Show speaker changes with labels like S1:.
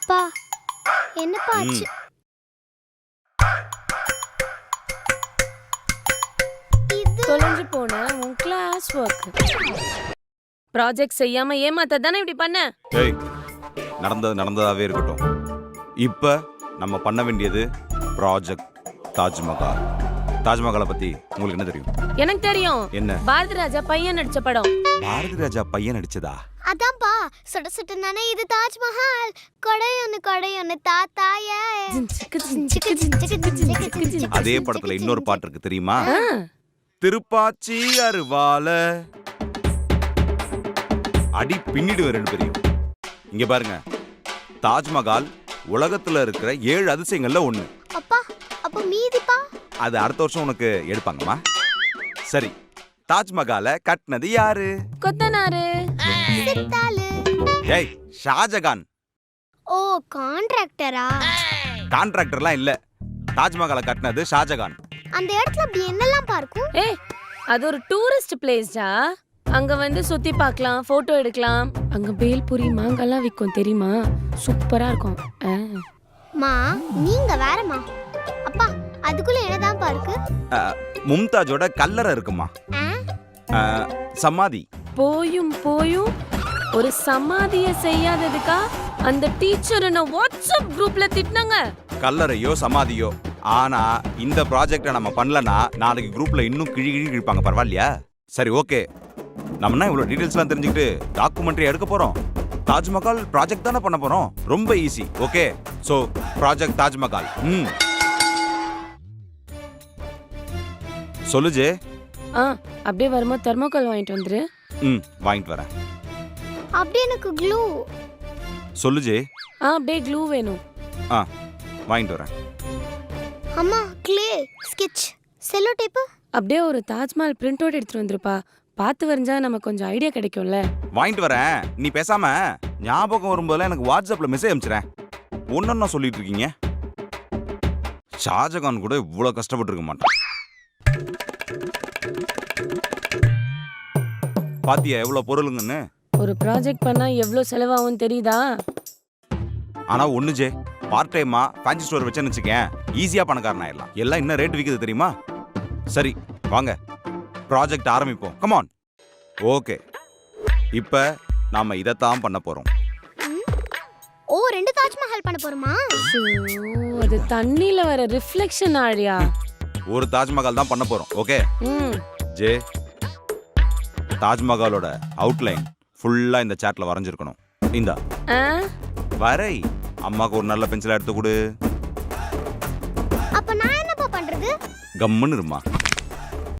S1: அப்பா என்னப்பா ஆச்சு?
S2: தொலைஞ்சு போன உன் கிளாஸ் ஒர்க் ப்ராஜெக்ட் செய்யாம ஏமாத்த தானே இப்படி பண்ண?
S3: ஏய், நடந்தது நடந்ததாவே இருக்கட்டும். இப்ப நம்ம பண்ண வேண்டியது ப்ராஜெக்ட் தாஜ்மஹால். தாஜ்மஹாலை பத்தி உங்களுக்கு என்ன தெரியும்?
S2: எனக்கு தெரியும்.
S3: என்ன?
S2: பாரதி ராஜா பையன் நடிச்ச படம்.
S3: பாரதி ராஜா பையன் நடிச்சதா?
S1: அதான்ப்பா சுட சுட நானே இது தாஜ்மஹால் கொடையொன்னு தாத்தாய.
S3: அதே படத்துல இன்னொரு பாட்டு இருக்கு தெரியுமா? திருப்பாச்சி அருவால அடி பின்னிடுவேன் ரெண்டு பேரையும். இங்க பாருங்க, தாஜ்மஹால் உலகத்துல இருக்கிற 7 அதிசயங்கள்ல ஒண்ணு.
S1: அப்பா அப்ப மீதிப்பா?
S3: அது அடுத்த வருஷம் உனக்கு எடுப்பாங்கம்மா. சரி, தாஜ்மஹாலை கட்டினது யாரு?
S2: கொத்தனாரு.
S1: சித்தாளு.
S3: ஏய், ஷாஜகான்.
S1: ஓ கான்ட்ராக்டரா?
S3: கான்ட்ராக்டர்லாம் இல்ல, தாஜ்மஹாலை கட்டினது ஷாஜகான்.
S1: அந்த இடத்துல அப்படி என்னெல்லாம் பார்க்கும்?
S2: ஏய், அது ஒரு டூரிஸ்ட் பிளேஸ்டா. அங்க வந்து சுத்தி பார்க்கலாம், போட்டோ எடுக்கலாம். அங்க பேல்பூரி மாங்காலாம் விற்கும் தெரியுமா? சூப்பரா இருக்கும்.
S1: மா நீங்க வேறமா. அப்பா அதுக்குள்ள என்னதான் பார்க்கு?
S3: மும்தாஜோட கல்லறை இருக்குமா, சமாதி.
S2: போயும் ஒரு சமாதிய செய்யாததுக்கா அந்த டீச்சர் என்ன வாட்ஸ்அப் குரூப்ல திட்டினாங்க.
S3: கல்லறையோ சமாதியோ, ஆனா இந்த ப்ராஜெக்ட நம்ம பண்ணலனா நாளைக்கு குரூப்ல இன்னும் கிழிப்பாங்க. பரவாயில்லையா? சரி, ஓகே. நம்ம இவ்வளவு டீடைல்ஸ்லாம் தெரிஞ்சுக்கிட்டு டாக்குமெண்ட்ரி எடுக்க போறோம். தாஜ்மஹால் ப்ராஜெக்ட் தானே பண்ண போறோம். ரொம்ப easy. Okay, so project Taj Mahal. சொல்லுஜே.
S2: அப்படியே வரும்போது தெர்மோகால் வாங்கிட்டு வந்துரு.
S3: வாங்கிட்டு வரேன்.
S1: அப்படி எனக்கு க்ளூ.
S3: சொல்லுஜே.
S2: அப்படியே க்ளூ வேணும்.
S3: வாங்கிட்டு வரேன்.
S1: அம்மா க்ளே, ஸ்கெட்ச், செல்லோ டேப்.
S2: அப்படியே ஒரு தாஜ்மஹால் பிரிண்ட் அவுட் எடுத்துட்டு வந்துருப்பா. பார்த்து வரைஞ்சா நமக்கு கொஞ்சம் ஐடியா கிடைக்கும்ல.
S3: வாங்கிட்டு வரேன். நீ பேசாம ஞாபகம் வரும்போதெல்லாம் எனக்கு வாட்ஸ்அப்ல மெசேஜ் அனுப்பிச்சிரேன். ஒன்னொன்னா சொல்லிட்டு இருக்கீங்க. ஷாஜகான் கூட இவ்வளவு கஷ்டப்பட்டு இருக்க மாட்டான். பாத்தியா எவ்வளவு பொருளுங்கன்னு?
S2: ஒரு ப்ராஜெக்ட் பண்ணா எவ்வளவு செலவாகும் தெரியுதா?
S3: ஆனா ஒண்ணுஜே, பார்ட் டைமா ஃபேன்சி ஸ்டோர் வச்சேன்னு வச்சுக்கேன், ஈஸியா பணக்காரன் ஆயிடலாம். எல்லாம் என்ன ரேட் விக்குது தெரியுமா? சரி வாங்க, ப்ராஜெக்ட் ஆரம்பிப்போம். கமான். ஓகே, இப்ப நாம இதத்தான் பண்ண போறோம்.
S1: ஓ 2 தாஜ்மஹால் பண்ண போறோமா?
S2: அது தண்ணில வர ரிஃப்ளெக்ஷன் ஆழியா.
S3: ஒரு தாஜ்மஹால் தான் பண்ண போறோம். ஓகே ஜே, தாஜ்மஹாலோட அவுட்லைன் ஃபுல்லா இந்த சார்ட்ல வரைஞ்சிருக்கணும். இந்தா வரை. அம்மாக்கு ஒரு நல்ல பென்சிலா எடுத்து கொடு.
S1: அப்ப நான் என்னப்பா பண்றது?
S3: கம்முன்னு இருமா.